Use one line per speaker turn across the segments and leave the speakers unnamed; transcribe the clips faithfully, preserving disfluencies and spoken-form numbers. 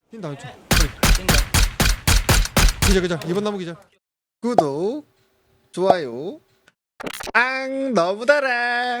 뛴다 왼쪽.
뛴다.
기자 기자 이번 나무 기자. 구독 좋아요. 앙 너무 달아.
야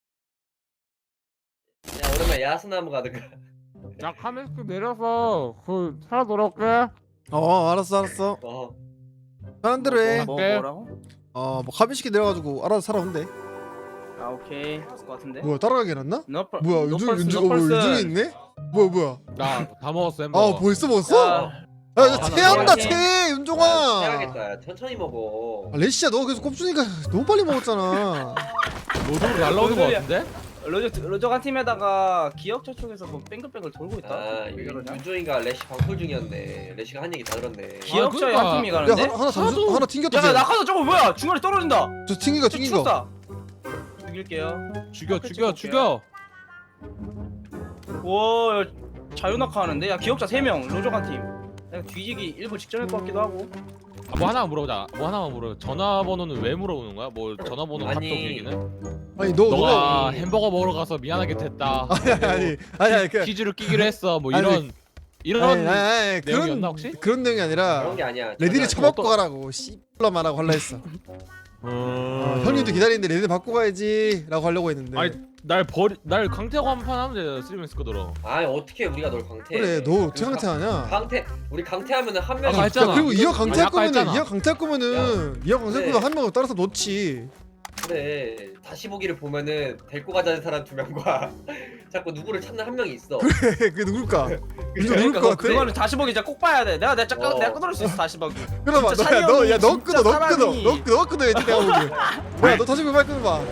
오랜만에 야스나무 가든가.
야 카메스크 내려서 그 살아 돌아올게.
어 알았어 알았어.
어.
편한 대로 해.
뭐
오케이.
뭐라고?
어뭐 카빈시키 내려가지고 알아서 살아온대.
아 오케이. 그럴 것 같은데.
뭐야 따라가게 해놨나?
너펄.
뭐야 윤중 윤중 어 뭐야 윤중이 있네? 뭐야 뭐야?
나 다 먹었어 햄버거.
아 벌써 먹었어?
야,
야, 야
하나
체한다
먹어야지.
체 윤종아.
해야겠다. 야, 천천히 먹어.
아, 레시야 너 계속 꼽주니까 너무 빨리 먹었잖아.
노드로 날라오는 거 같은데?
로저 로저 한 팀에다가 기억자 쪽에서 뭐 뱅글뱅글 돌고 있다.
아
왜 그러냐?
윤종이가 레시 방풀 중이었네. 레시가 한 얘기 다 들었네.
기억자에
그러니까.
한 팀이
야
가는데.
하나 하나 잠수 하나 튕겼다.
야
쟤.
낙하산 저거 뭐야? 중간에 떨어진다.
저 튕기가
저
튕긴 거.
죽었다. 죽일게요.
죽여
앞에
죽여
찍어볼게요.
죽여.
와 자유낙하 하는데. 야 기억자 세 명 로저 한 팀. 내가 뒤지기 일부 직전일 것 같기도 하고.
아, 뭐 하나만 물어보자. 뭐 하나만 물어. 전화번호는 왜 물어보는 거야? 뭐 전화번호
아니.
카톡 얘기는?
아니 너
너가
너가
햄버거 먹으러 가서 미안하게 됐다.
아니 아니 아니 아니 그
퀴즈를 끼기로 했어. 뭐
아니,
이런 이런
아니, 아니, 아니,
내용이었나
그런
혹시?
그런 내용이 아니라
그런 게 아니야.
레디를
전화-
처먹고 가라고 씨발로 말하고 할라 했어. 어,
음...
형님도 기다리는데 레디 바꾸고 가야지라고 하려고 했는데.
아니 날 버리 날 강태하고 한 판 하면 돼. 쓰리맨스 거더러.
아니 어떻게 우리가 널 강태?
그래 너 어떻게 강퇴하냐?
강태 우리 강태하면은 한 명이
아까 했잖아.
야 그리고 이어 강퇴할
아니, 아까
거면은
했잖아.
이어 강퇴할 거면은 이어 강퇴할
그래.
거면 한 명을 따라서 놓지.
그래. 다시 보기를 보면은 데리고 가자는 사람 두 명과 자꾸 누구를 찾는 한 명이 있어.
그게 누굴까? 이거 누굴
그러니까
것
그-
같아?
그거는 다시 보기 진짜 꼭 봐야 돼. 내가 내가 잠깐
어.
내가 끊을 수 있어 다시 보기.
그럼
진짜
너야 너야 너
찬이
끊어 너
형이
끊어
진짜
너 끊어 너 끊어야지 내가 보기. 뭐야 너 다시 보기 빨리 끊어봐.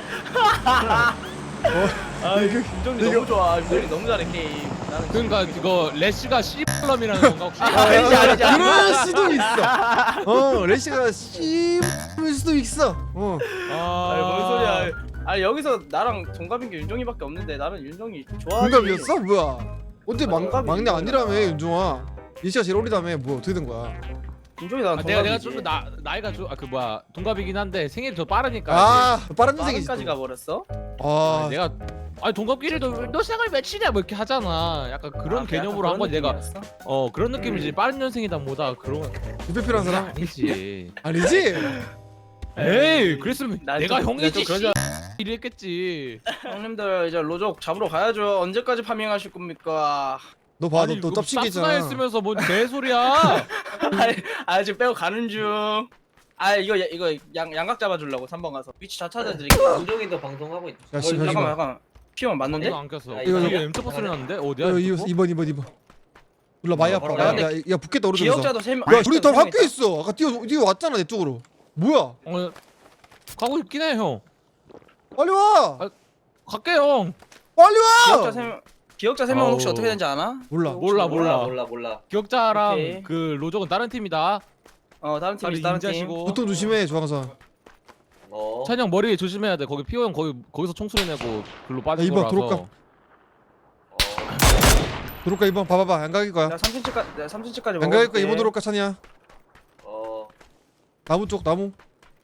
아 이거 김정리
이거-
너무 좋아. 김정리 너무 잘해 게임. 나는
그러니까 이거 레시가 씨발럼이라는 건가 혹시?
아, 알지, 알지, 알지.
그럴 수도 있어. 어 레시가 씨일 수도 있어. 어.
아니 뭔 소리야. 아니 여기서 나랑 동갑인 게 윤종이밖에 없는데 나는 윤종이 좋아하지.
동갑이었어? 뭐야? 언제 막,
동갑이
막내
있는
아니라며
거야.
윤종아. 예시가 제일 어리다며 뭐 어떻게 된 거야?
윤종이 나랑
아, 내가 내가
동갑이지.
좀 나 나이가 좀 아 그 뭐야 동갑이긴 한데 생일이 더 빠르니까.
아 빠른 인생이지.
빠른까지
또.
가버렸어?
아
아, 내가 아니 동갑끼리도 너 생일 며칠이야 뭐 이렇게 하잖아. 약간 그런
아,
개념으로
약간
한 거지
그런
내가.
느낌이었어?
어 그런 느낌이지. 빠른 년생이다 뭐다 그런 건
유배필한 사람?
아니지.
아니지?
에이 그랬으면
난
내가
좀-
형이지.
난 좀 그러지
이랬겠지.
형님들 이제 로족 잡으러 가야죠. 언제까지 파밍하실 겁니까?
너 봐,
아니
너, 너 짭신게 있잖아.
했으면서 뭔 개소리야.
아니, 아 지금 빼고 가는 중. 아 이거 이거 양 양각 잡아주려고 삼 번 가서 위치 다 찾아드릴게요.
윤종이도 방송하고 있.
야,
어,
씨,
윤종이-
잠깐만 잠깐만. 피면 맞는데?
이거 안 꼈어.
야,
이거
이거
뒤에 엠터퍼 소리 났는데 어디야?
야,
엠터퍼?
이번 이번 이번. 몰라 많이
어,
아파.
바로
야,
가야
야, 야 붙겠다 오른쪽에서.
기억자도 세 명.
야, 우리 다 학교에 있어. 아까 뛰어 뛰어 왔잖아 내 쪽으로. 뭐야?
어 가고 있긴 해 형.
빨리 와.
아, 갈게 형.
빨리 와.
기억자 세 명. 기억자 세 명은 혹시
아우.
어떻게 되는지 아나?
몰라.
몰라,
몰라
몰라.
몰라 몰라.
기억자랑
오케이.
그 로족은 다른 팀이다.
어 다른 팀이
빨리
다른 팀.
인자시고.
보통 조심해 조항선.
어.
찬영 머리 조심해야 돼. 거기 피오 형 거기 거기서 총소리 내고 글로 빠진
야, 이번
거라서.
들어올까?
어.
들어올까 이번 봐봐봐 양각일 거야.
나 삼 센치까지 내가 삼 센치까지
양각일 거야 이번 들어올까 찬이야.
어.
나무 쪽 나무.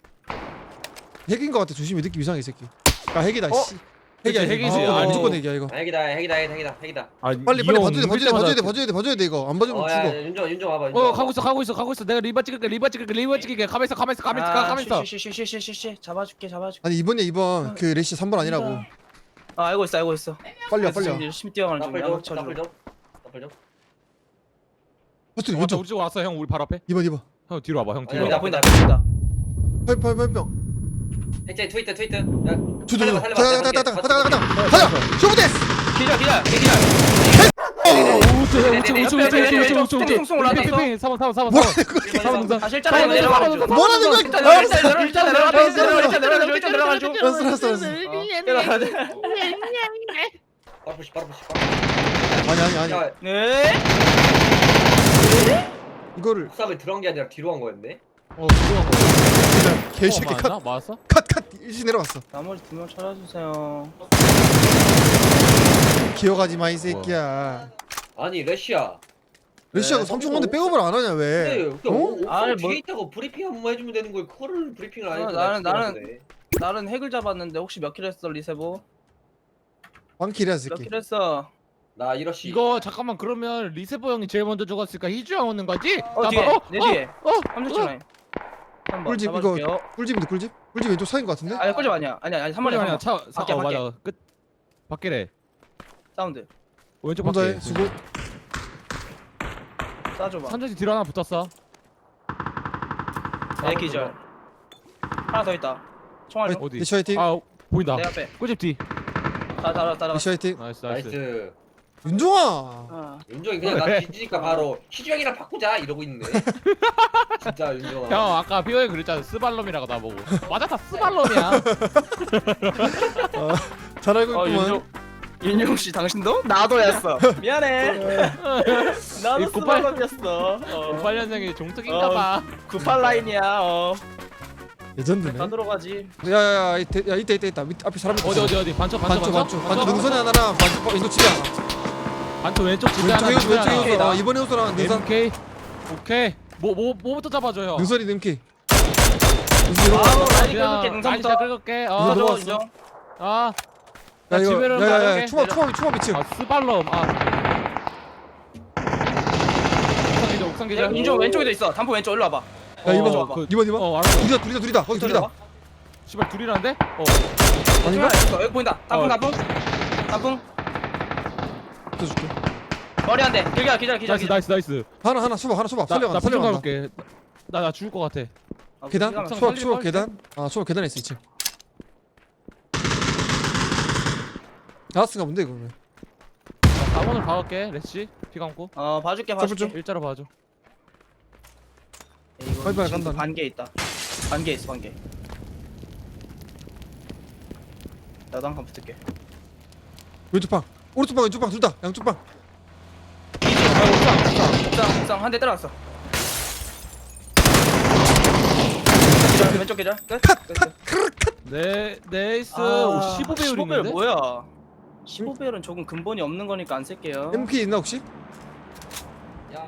핵인 거 같아 조심히 느낌 이상해 이 새끼. 야 핵이다
어?
씨. 핵이야
그치,
핵.
핵이지.
아,
아니,
무조건 핵이야 이거.
아, 핵이다 핵이다 핵이다 핵이다.
아,
빨리 빨리 봐줘야 돼 봐줘야 돼 봐줘야 돼 봐줘야 돼 봐줘야 돼 이거 안 봐주면
어,
죽어.
야, 윤종 윤종 와봐. 윤종
어
와봐.
가고 있어 가고 있어 가고 있어. 내가 리바 찍을게 리바 찍을게 리바 찍을게. 가만 있어 가만 있어 가만 있어 가만 있어.
쉬쉬쉬쉬쉬쉬 잡아줄게 잡아줄게.
아니 이번에 이번 그 레시 삼 번 아니라고.
아 알고 있어 알고 있어.
빨리 와 빨리 와.
지금 열심히 뛰어가는 중.
나쁠
양각
좀 나쁠
쳐주러.
좀 나쁠 좀.
버튼
어,
왼쪽.
우리 쪽 왔어 형 우리 바로 앞에.
이번 이번.
형 뒤로 와봐 형 뒤로.
아니,
보인다
와봐.
보인다 보인다.
파이프 파이프 파이프.
핵제 트위터 트위터. 야.
저저
살려봐,
가자
살려봐.
가자 가자
내가
가자 가자
볼게.
가자 가자. 쇼부데스.
기절 기절 기절.
우측 우측 우측 우측 우측 우측 우측
송송 올라왔어.
우측. 사번 사번 사번
뭐라는
사번.
거야?
사번 능선.
아 실제로 내려가는 중.
뭐라는 거야?
일단 내려가 일단 내려가 일단 내려가 일단 내려가 일단 내려가 일단 내려가 중.
알았어 알았어 알았어.
내려가 돼.
바로 푸시 바로 푸시.
아니 아니 아니.
야,
네.
이거를
옥상을 들어간 게 아니라 뒤로 간 거였네.
어 들어간 거.
그냥 개새끼
어, 맞았나? 맞았어?
컷컷컷 일시 내려갔어.
나머지 두 명 찾아주세요.
기어가지 마 이 새끼야.
아니 레시야.
레시아가
네,
삼촌 건데
어,
백업을 안 하냐
근데
왜?
그
어?
옥상
아니,
뒤에
뭐-
있다고 브리핑 한 번만 해주면 되는 거야. 그거를 브리핑을 안
어,
해주면
나는- 나는- 나는 핵을 잡았는데 혹시 몇 킬 했어 리세보?
왕킬이야 이
몇
새끼.
킬 했어?
나 이러시.
이거 잠깐만 그러면 리세버 형이 제일 먼저 죽었으니까 희주 형 오는 거지?
어
나
뒤에
봐.
내 뒤에
어?
삼 초 라인 삼 번
꿀집 이거
잡아줄게요.
꿀집인데 꿀집? 꿀집 왼쪽 사인 것 같은데?
아니 꿀집 아니야 아니야 아니 삼 번이야
아니야
삼 번.
차 사,
밖에,
어
밖에.
맞아 끝 밖에래
사운드
왼쪽
혼자
밖에
해 수고.
쏴줘봐
선전지 뒤로 하나 붙었어
내 기절 하나 더 있다 총알로
어디?
리시 화이팅.
아 보인다
내 앞에
꿀집 뒤
다 따라 따라
리시 화이팅.
나이스 나이스
나이스.
윤종아.
어.
윤종이 그냥 나 뒤지니까 바로 희주 형이랑 바꾸자 이러고 있네. 진짜 윤종아.
형 아까 비오에 그랬잖아 스발롬이라고 나보고 맞아 다 스발롬이야
잘 알고
어
있구만.
윤종 윤종 씨 당신도? 나도였어 미안해 나도
이 구팔-
스발럽이었어 어.
오팔 년생이 종특인가봐
구팔 라인이야 어
레전드네.
다 들어가지
야야야 이때 야 이때 이때 있다. 밑 앞에 사람 있다.
어디 어디 어디 반초 반초
반쪽 반쪽 반쪽 능선에 하나랑 반쪽 왼쪽 집에 하나.
반초 왼쪽 집에
왼쪽
하나
왼쪽
집에
왼쪽
하나
왼쪽. 어, 이번에 호수랑 능선.
엠케이 오케이 뭐 뭐 뭐부터 잡아줘요
능선이 nem키. 능선
아우
이러고.
라인
그냥
긁을게 능선부터
아니, 긁을게
이거
어,
너-
어
넘어갔어.
윤종
아,
야 이거
집에는
야야야
가볍게
초밥
내려.
초밥 초밥 이층.
아 스발롬 아 옥상 기절 옥상 기절
윤종 왼쪽에도 있어 단포 왼쪽 일로 와봐
야 이번
어,
그,
이번 이번.
어 알았어
둘이다 둘이다 둘이다 거기 둘이다.
씨발 둘이라는데? 어
아닌가?
있어 여기 보인다 단풍
어.
단풍 단풍
붙여줄게.
머리 한대 기절 기절 기절
나이스 나이스 나이스
하나 하나 수박 하나 수박
나,
살려간다
나 표정
살려간다.
가볼게 나 나 죽을 것 같아
어,
계단
기가 막혀.
수박
살릴
수박
걸?
계단. 아 수박 계단에 있어 이층. 나왔은가 본데 이거는.
사 번을 박을게 레시 피 감고
어 봐줄게
잡을
봐줄게
좀.
일자로 봐줘
이거
빨리빨리
지금
간다.
반개 있다 반개 있어 반개 나도 한 칸 붙을게
왼쪽 방 오른쪽 방 왼쪽 방 둘 다 양쪽 방.
옥상 옥상 한 대 때려놨어 기절 왼쪽 기절 끝? 끝
네 네이스
아,
오, 십오 배율
십오 배율
있는데?
뭐야 십오 배율은 조금 근본이 없는 거니까 안 쓸게요
엠피 있나 혹시?
야,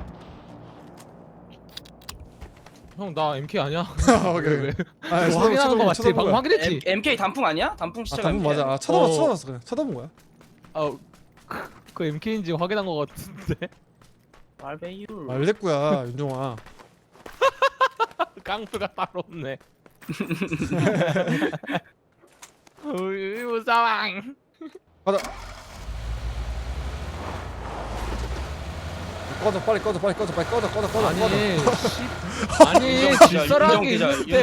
형 나 엠케이 아니야?
오케이 오케이. 아
이거 확인하는 거 맞지? 방금 확인했지?
M, MK 단풍 아니야? 단풍
아
시체가
단문
M K
맞아. 아 쳐다봤어
어.
쳐다봤어 그냥 쳐다본 거야.
아, 그, 그 엠케이인지 확인한 거 같은데?
말배율
말대꾸야 윤종아.
깡패가 따로 없네 우유 무사왕
가자. 꺼져 빨리 꺼져 빨리 꺼져 빨리 꺼져 꺼져 꺼져
아니
꺼져.
씨, 아니 질서라는 게 있는데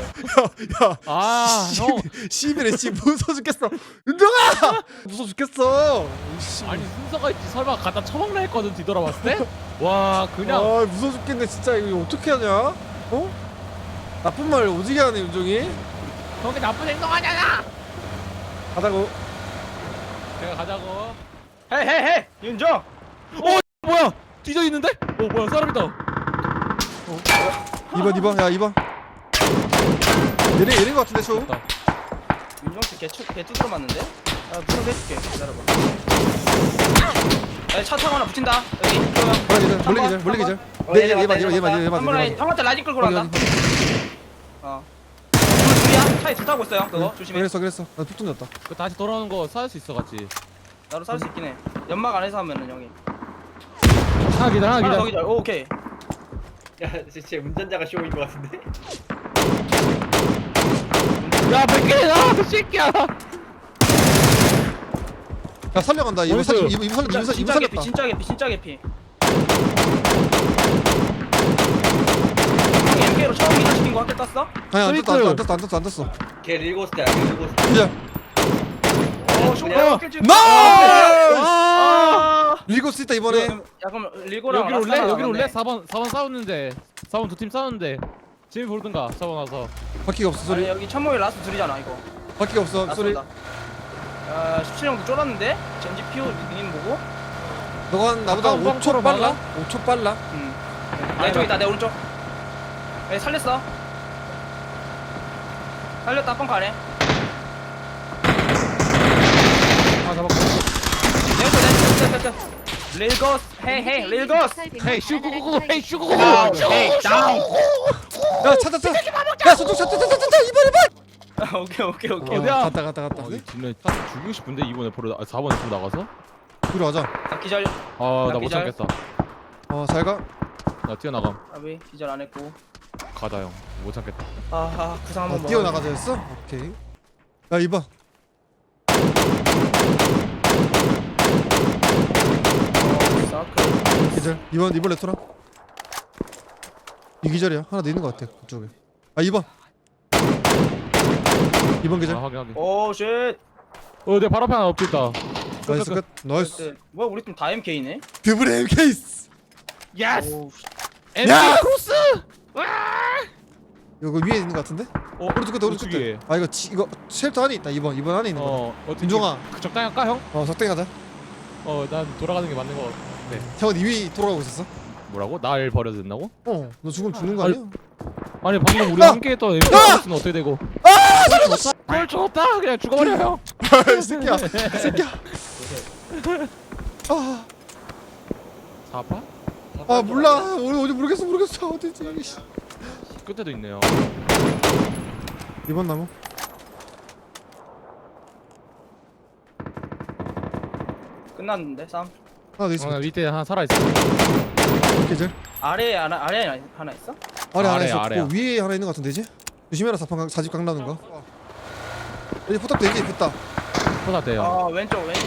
아형
씨비래 씨 무서워 죽겠어. 윤종아 무서워 죽겠어. 씨.
아니 순서가 있지 설마 갖다 처먹나 했거든 뒤돌아봤을 때? 와 그냥
아 무서워 죽겠네 진짜 이거 어떻게 하냐? 어? 나쁜 말 오지게 하네 윤종이.
저게 나쁜 행동하잖아
가자고.
내가 가자고
헤이 헤이 헤이 윤정
뭐야 뒤져 있는데? 어 뭐야 사람 있다
이번 이번 야 이번. 얘네 얘네 거 같은데 쇼.
됐다.
윤정 씨 개추 개 두드려 맞는데? 아 무슨 해줄게 기다려봐 야, 차 타고 하나 붙인다 여기
몰래 기절 몰래 기절 몰래 기절. 네 얘만 얘만 얘만 얘만
한번 라인
얘만.
형한테 라인 끌고 간다
확인,
어 둘, 둘이야? 차에 둘 타고 있어요 그거 조심해
그랬어 그랬어. 나푹 뚫렸다.
그 다시 돌아오는 거 살 수 있어 같이
나로 살 수 있긴 해 연막 안에서 하면은 형이
하나 기다 하나
하나 더
기다
기절 오, 오케이
야, 진짜 운전자가 쇼인 것 같은데.
야 백개나 새끼야
야 살려간다. 이번
어디서?
살 이번 이번 살렸다.
진짜,
이번
진짜
살렸다.
개피 진짜 개피 진짜 개피 엠케이로 처음 기절시킨 거 학교 땄어?
아니 안 떴어
스위트.
안 떴어 안 떴어 안 떴어.
걔 릴고스트야, 걔 릴고스트.
기절.
어
그냥-
쇼크 깨지
나이스!
아
리고 쓰다 이번에.
야 그럼 리고랑
여기로 올래?
라스타랑
여기로 올래?
남았네.
사 번 사 번 싸웠는데 사 번 두 팀 싸웠는데 재미 보르든가 사 번 와서
바퀴가 없어
아니
소리.
여기 천목이 라스트 둘이잖아 이거
바퀴가 없어 소리.
아 십칠 형도 쫄았는데? 젠지 피오 님 보고?
너가 한 나보다
가까운
오 초
방으로
빨라?
막아?
오 초 빨라?
응 내 쪽 있다 내 오른쪽 에 살렸어 살렸다 뻥 가네
아 잡았고
내쪽 내쪽 내쪽 릴고스 헤이 헤이 릴고스
헤이 슈구구구 헤이 슈구구구
다운 헤이 다운
야 찾아 찾아. 야 저쪽 찾아 찾아 찾아 이번 이번.
오케이 오케이 오케이
어디야?
갔다 갔다 갔다.
아, 진짜 죽이고 싶은데 이번에 보러 나- 아, 사 번에 또 나가서
뒤로 가자.
아, 기절.
아나 못
기절.
참겠다.
어 잘가.
나 뛰어나감.
아비 기절 안 했고.
가다 형. 못 참겠다.
아, 아 구상 한번
아,
먹어.
뛰어나가자 했어? 오케이. 야 이번.
사크.
기절. 이번 이번 레토나. 이 기절이야. 하나 더 있는 것 같아 그쪽에. 아 이번. 이번 기절.
아 확인 확인.
오 쉣.
어내 발 앞에 하나 엎드있다.
나이스 끝. 나이스.
네. 뭐야 우리 팀 다 엠케이네?
드블 엠 케이스.
예스.
오,
엠케이 크로스.
이거 위에 있는 것 같은데?
어
오른쪽 끝에 오른쪽 끝에.
위에.
아 이거 지, 이거 쉘터 안에 있다. 이번 이번 안에 있는 거.
어 어떻게?
윤종아.
그 적당히 할까 형?
어 적당히 하자.
어난 돌아가는 게 맞는 거. 네.
형은 이 위 돌아가고 있었어?
뭐라고? 날 버려도 된다고?
어. 너 죽으면 죽는 거 아니야?
아니 방금 우리
아!
함께 했던 엠케이 크로스는 어떻게 되고?
아!
그걸 죽었다. 그냥 죽어버려 형.
이 새끼야. 이 새끼야. 아,
사파?
아 몰라. 어디 어디 모르겠어 모르겠어 어디지. 씨.
끝에도 있네요.
이번 나무.
끝났는데 싸움.
하나 더 있어.
어, 밑에 하나 살아 있어.
계절.
아래에 하나 아래에 하나 있어?
아래 하나
아래,
있었고
아래야.
위에 하나 있는 것 같은데 이제. 조심해라 사판 강- 사집 강 나는 거. 여기 포탑 되지 됐다.
쏟았대요.
아 왼쪽 왼쪽.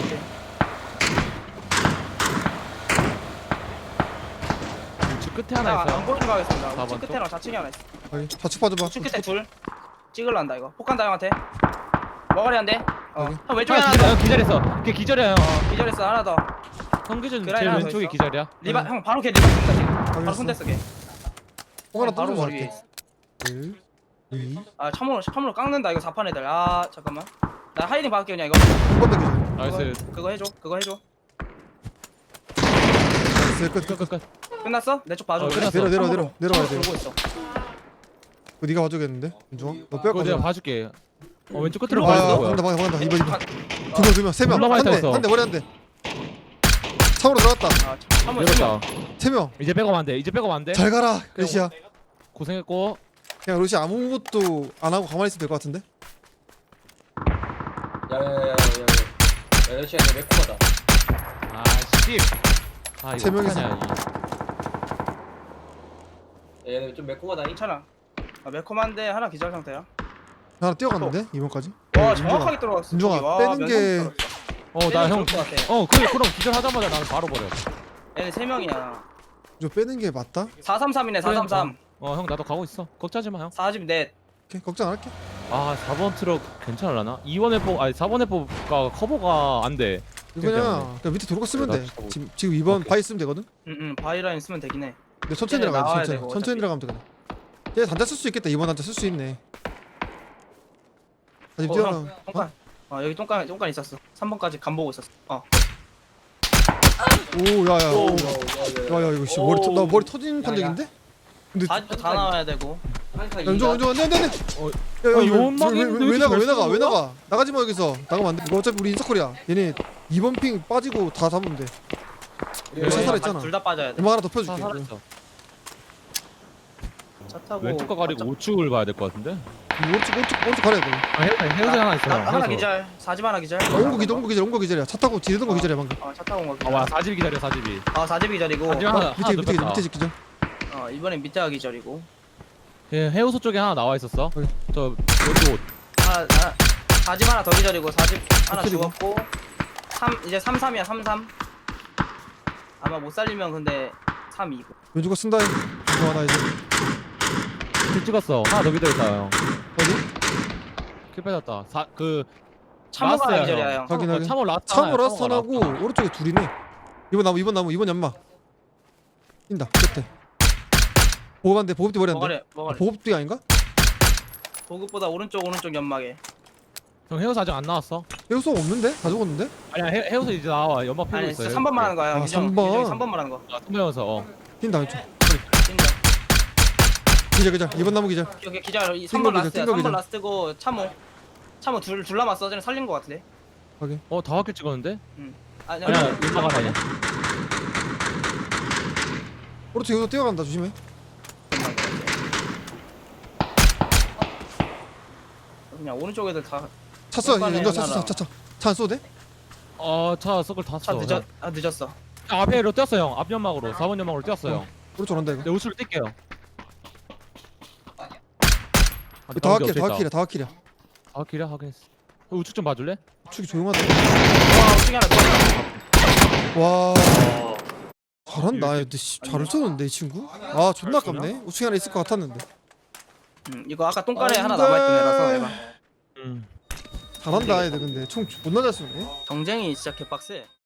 우측 끝에 하나
나
있어요.
안 보는 거 하겠습니다.
사
우측
번
끝에랑 좌측에 하나 있어.
여기 좌측 봐줘봐.
우측 끝에 둘. 찍을란다 이거. 폭간다 형한테. 머가리 한 대. 어.
여기.
형 왼쪽에
하나
하나 더.
기절, 기절했어. 걔 기절이야 형.
어, 기절했어 하나 더.
성기준
그라인
제일
하나 더
왼쪽에
있어.
기절이야.
리바 형 바로 걔 리바 쓴다 지금. 바로
알겠어.
손댔어 걔.
뽕 하나
바로
떠주면
머리 위에
할게.
있어.
일, 이,
아 참으로 참으로 깎는다 이거 사판 애들. 아 잠깐만. 나 하이딩 받을게 그냥 이거.
한 번 더 기절.
나이스.
그거, 그거 해줘. 그거 해줘.
나이스 끝 끝.
끝, 끝, 끝.
끝났어? 내 쪽 봐줘.
어,
그래.
끝났어.
내려 내려
참으로,
내려 내려가야 돼.
참으로 들고 있어.
그거 네가 봐줘야겠는데. 윤종아. 너 빼고
그거 내가
가자.
봐줄게. 어 왼쪽 끝으로
아,
가는 거야.
간다 간다 간다. 이번 이번.
아,
두 명 두 명 세 명.
올라가
한 대
있었어.
한 대 머리 한 대. 참으로 들어갔다.
아 참으로
내렸다.
세 명.
이제 백업 안 돼. 이제 백업 안 돼.
잘 가라 러시아.
고생했고.
그냥 러시아 아무것도 안 하고 가만히 있으면 될 것 같은데.
야야야야야. 야 러시아 너 매콤하다.
아 씨. 아
세
이거
명이서.
어떡하냐. 이.
얘는 좀 매콤하다.
괜찮아. 아, 매콤한데 하나 기절 상태야.
하나 뛰어갔는데 이번까지.
와
어,
정확하게 들어갔어.
윤종아,
저기. 와,
빼는
면성
게-
들어갔어.
어 나 형.
좋을 것 같아.
어 그래 그럼 기절하자마자 나는 바로 버려.
얘네 세 명이야.
저 빼는 게 맞다.
사삼삼이네 사삼삼.
어 형 나도 가고 있어. 걱정하지 마 형.
사십넷.
오케이 걱정 안 할게.
아 사 번 트럭 괜찮을라나? 이 번에 뽑 아니 사 번에 뽑가 커버가 안 돼.
이거 그냥, 그냥 밑에 도로가 쓰면
나
돼.
진짜
지금 지금 이번
오케이.
바이 쓰면 되거든.
응응 바이라인 쓰면 되긴 해.
근데 천천히
얘네
들어가야 돼.
나와야
천천히.
되고,
천천히
어차피.
들어가면 되거든. 얘 단자 쓸 수 있겠다. 이번 단자 쓸 수 있네. 아직
어,
뛰어나.
형, 똥간. 어 여기 똥간 똥간 있었어. 삼 번까지 간 보고 있었어. 어.
오 야야.
오,
오.
야, 야, 야.
야야 이거 씨 머리 터, 나 머리 터진
야,
판정인데? 근데
사십도 다 나와야 되고.
한칸
연종 연종 안돼 안돼.
어,
야야
아, 연막이
왜,
있는데
왜, 왜
왜
나가 왜
이렇게
나가 왜
잘
나가 나가지 마 여기서 나가면 안돼. 이거 어차피 우리 인서클이야. 얘네 이번 핑 빠지고 다 잡으면 돼.
우리
여기서
여기
살아 있잖아.
둘 다 빠져야 돼.
음악 하나 더
다
펴줄게.
살았어.
차 타고.
왼쪽과 가리고
깜짝-
우측을 봐야 될 것 같은데.
오른쪽 오른쪽 오른쪽 가려야 돼.
아 헤어져 헤어져 하나 있어.
나, 하나
헤어져.
기절. 사집 하나 기절.
아, 온거 기절 온거 기절 온거 기절이야. 차 타고 지르던 거 기절이야 방금.
어차 타고 온 거.
아와 사집 기다려 사집이.
아 사집 기절이고.
사집 하나
밑에
하나
밑에
눕혔다.
밑에 기절.
어 이번엔 밑에가 기절이고.
예, 해우소 쪽에 하나 나와 있었어.
여기.
저 여기 옷.
하나 하나 사집 하나 더 기절이고 사집 하나
그리고?
죽었고. 삼 이제 삼삼이야 삼삼. 아마 못 살리면 근데 삼이고.
왼쪽거 쓴다. 이거 하나 이제
킬 찍었어. 하나 더 기다렸다 형.
어디?
킬 빼졌다. 사그
참호가
라스트야,
기절이야
형.
형.
확인,
어,
확인.
참호 라스트.
참호
하나야,
라스턴하고
참호가 라스트.
오른쪽에 둘이네. 이번 나무 이번 나무 이번 연마. 뛴다 끝에. 보급한데 보급뒤 머리 안 돼.
먹으래
아,
먹으래.
보급뒤 아닌가?
보급보다 오른쪽 오른쪽 연막에.
형 해우소 아직 안 나왔어.
해우소 없는데? 다 죽었는데?
아니야 해, 해우소 이제 나와. 연막 피고
아니
있어.
삼 번만 하는 거야.
아,
미정
삼 번.
미정이 삼 번만 하는 거.
아, 선배여서 어.
뛴다 왼쪽.
진짜.
기절 기절. 이번 나무 기절.
여기 기절 이 삼 번
띵거 기절,
라스트야.
띵거
삼 번
기절.
라스트고 참호. 참호 둘 둘 남았어. 쟤는 살린 거 같은데.
어 다섯 킬 찍었는데?
아니
아니야
아니.
연막 하나야.
오른쪽 여기서 뛰어간다 조심해.
그냥 오른쪽 애들 다.
찼어.
오른쪽에
이거 찼어
하나랑.
찼어 찼어. 차안 쏘도 돼?
어차 서클 다
차
쳐.
늦었 아 늦었어.
아, 앞에로 뛰었어 형. 앞 연막으로 사 번 연막으로 뛰었어 형.
오른쪽 온다 이거.
내 우측을 뛸게요. 아,
다 확킬이야 다 확킬이야 다 확킬이야.
아 길이야 확인했어. 어, 우측 좀 봐줄래?
축이 조용하다.
와 우측에 하나 더.
와
어,
잘한다. 야, 근데 씨, 잘 쏘는데 이 친구. 아 존나 아깝네. 우측에 하나 있을 것 같았는데.
음, 이거 아까 똥간에
안
하나
돼.
남아있던 애라서 얘가
음.
잘한다 애들 근데 총 존나 잘 쏘네.
경쟁이 진짜 개빡세.